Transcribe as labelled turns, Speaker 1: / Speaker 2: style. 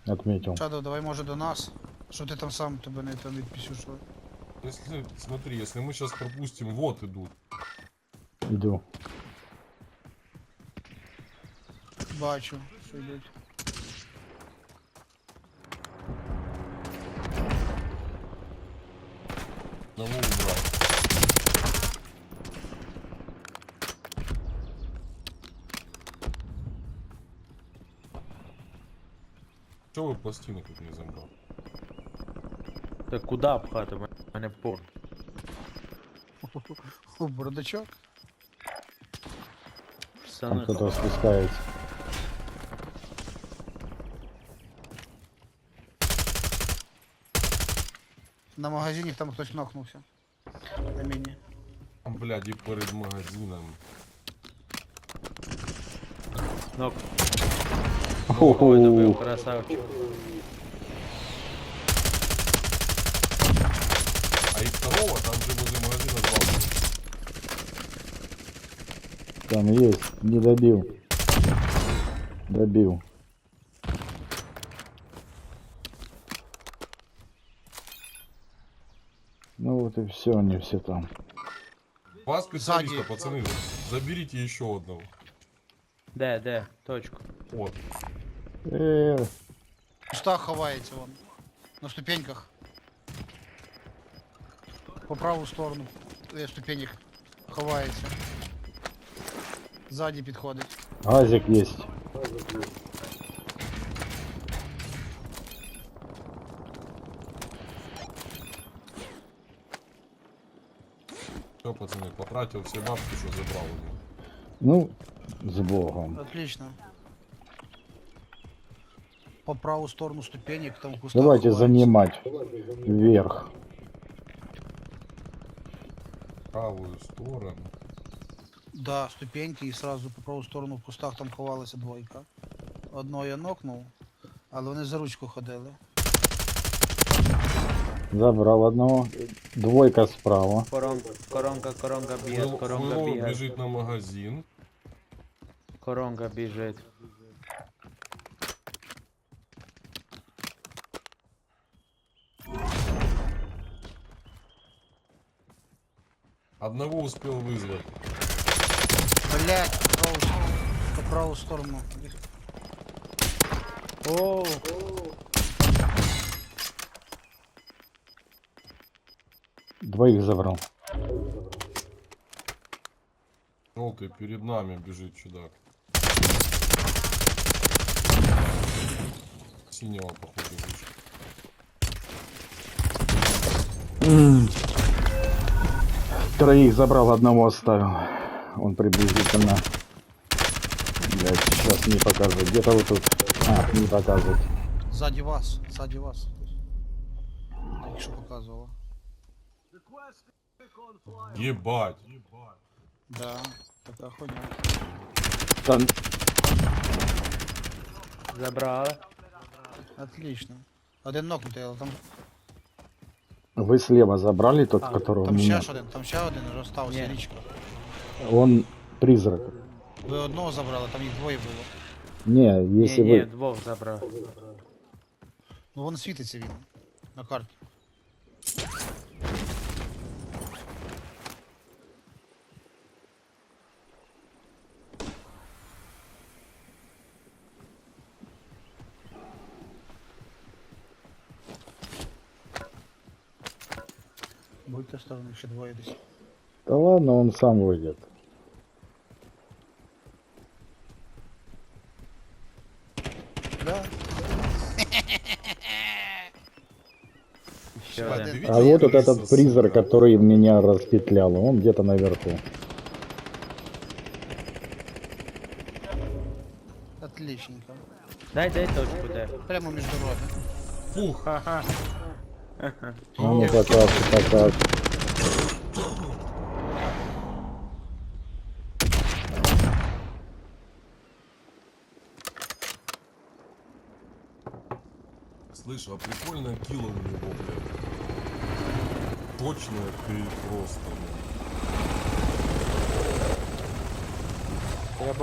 Speaker 1: Отметил.
Speaker 2: Шадов, давай може до нас. Що ти там сам тебе не там відпісюшив?
Speaker 3: Если, смотри, если мы сейчас пропустим, вот идут.
Speaker 1: Иду.
Speaker 2: Бачу, що йдуть.
Speaker 3: Одного убрал. Чего вы пластину тут не забрал?
Speaker 4: Так куда пхати? У мене пор.
Speaker 2: О, бородачок.
Speaker 1: Там
Speaker 4: Пацани,
Speaker 1: кто-то спускается.
Speaker 2: На магазині там хтось нокнувся. На міні.
Speaker 3: Там, блядь, и перед магазином.
Speaker 4: нок.
Speaker 1: Хо-хо.
Speaker 4: Ой, добив, красавчик.
Speaker 3: А и второго там же возле магазина два.
Speaker 1: Там есть. Не добил. Добил. Ну вот и все, они все там.
Speaker 3: Два специалиста,
Speaker 2: Сзади.
Speaker 3: пацаны. Заберите еще одного.
Speaker 4: Де, точку.
Speaker 3: Вот.
Speaker 2: В кустах ховається вон. На ступеньках. По праву сторону ступенек ховається. Ззаді підходить.
Speaker 1: Газик есть.
Speaker 3: Все, пацаны, потратил все бабки, что забрал у него.
Speaker 1: Ну, с Богом.
Speaker 2: Отлично. По праву сторону ступенек там в кустах
Speaker 1: Давайте
Speaker 2: ховається.
Speaker 1: занимать вверх.
Speaker 3: Правую сторону.
Speaker 2: Да, ступеньки і сразу по праву сторону в кустах там ховалася двойка. Одного я нокнув, але вони за ручку ходили.
Speaker 1: Забрал одного. Двойка справа.
Speaker 4: Коронка б'є, коронка
Speaker 3: Фуйло
Speaker 4: б'є.
Speaker 3: бежит на магазин.
Speaker 4: Коронка біжить.
Speaker 3: Одного успел вызвать.
Speaker 2: Блять, по праву сторону.
Speaker 4: Оу!
Speaker 1: Двоих забрал.
Speaker 3: Желтый перед нами бежит чудак. Синего, походу, вышел.
Speaker 1: Троих забрал, одного оставил. Он приблизительно. Блять, сейчас не показывает. Где-то вот тут. А, не показывает.
Speaker 2: Ззаді вас, ззаді вас. Так що показувало.
Speaker 3: Ебать.
Speaker 2: Да, така хуйня.
Speaker 1: Там
Speaker 4: Забрали.
Speaker 2: Отлично. Один нокнутий, але там,
Speaker 1: вы слева забрали тот,
Speaker 4: А,
Speaker 1: которого
Speaker 2: там
Speaker 1: меня.
Speaker 2: ще один вже остався,
Speaker 4: Ні.
Speaker 2: річка.
Speaker 1: Он призрак.
Speaker 2: Ви одного забрали, там їх двоє було.
Speaker 1: Не, если
Speaker 4: Ні,
Speaker 1: вы...
Speaker 4: двох забрав.
Speaker 2: Ну вон світиться він на карті. Будьте осторожні, ще двоє десь.
Speaker 1: Да ладно, он сам выйдет.
Speaker 2: Да.
Speaker 4: Ще
Speaker 2: Один.
Speaker 4: один.
Speaker 1: А вот этот призрак, который меня распетлял, он где-то наверху.
Speaker 2: Отличненько.
Speaker 4: Дай точку, де.
Speaker 2: Прямо між дорогами.
Speaker 3: Фух.
Speaker 4: Ха-ха.
Speaker 1: А ну покажи.
Speaker 3: Слышь, а прикольная килла у него, блядь. Точная ты просто, блядь.